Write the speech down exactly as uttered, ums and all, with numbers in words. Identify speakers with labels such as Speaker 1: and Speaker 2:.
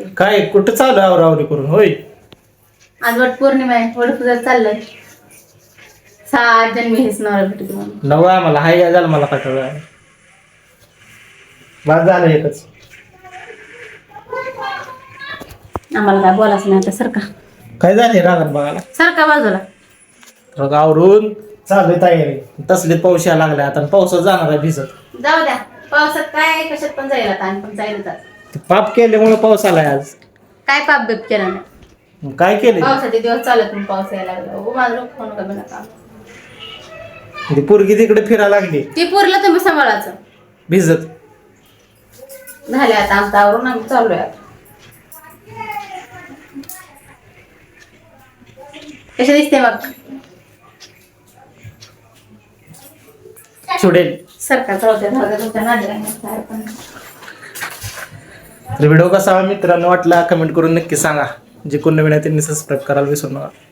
Speaker 1: काय कुठं चालू आहे आवरावरी करून होय?
Speaker 2: आज वट पौर्णिमा आहे, वट पूजा चाललंय. सात जन्मी हेच नवरा भेटू म्हणून.
Speaker 1: नवं आम्हाला हाय या झालं मला पाठवलं. बाद झालं एकच.
Speaker 2: आम्हाला काय बोलायचं नाही आता, सरका
Speaker 1: काय झाले रागात बघायला?
Speaker 2: सरका बाजूला.
Speaker 1: रग आवरून चालू तयारी. तसले पाऊस यायला लागले आता, पावसात जाणार आहे भिजत.
Speaker 2: जाऊ द्या, पावसात काय कशात पण जाईल आता, आणि पण जाईल आता.
Speaker 1: ते पाप केल्यामुळे पाऊस आलाय आज.
Speaker 2: काय पाप बिप केला नाही.
Speaker 1: मग काय केले?
Speaker 2: पावसाचे दिवस चालत म्हणून पाऊस यायला लागला. ओ माझं डोकं खाऊ नका बिना काम.
Speaker 1: ती पोरगी तिकडे फिरायला लागली
Speaker 2: ती पुरलं तुम्ही सांभाळायचं.
Speaker 1: भिजत.
Speaker 2: झाले आता आमचं आवरून आम्ही चाललोय आता. कशा दिसते मग?
Speaker 1: सुडेल.
Speaker 2: सरकार चालते तुमच्या नादीला पण.
Speaker 1: तर व्हिडिओ कसा मित्रांनो वाटला कमेंट करून नक्की सांगा. जे कोण नवीन आहे त्यांनी सबस्क्राईब करायला विसरू नका.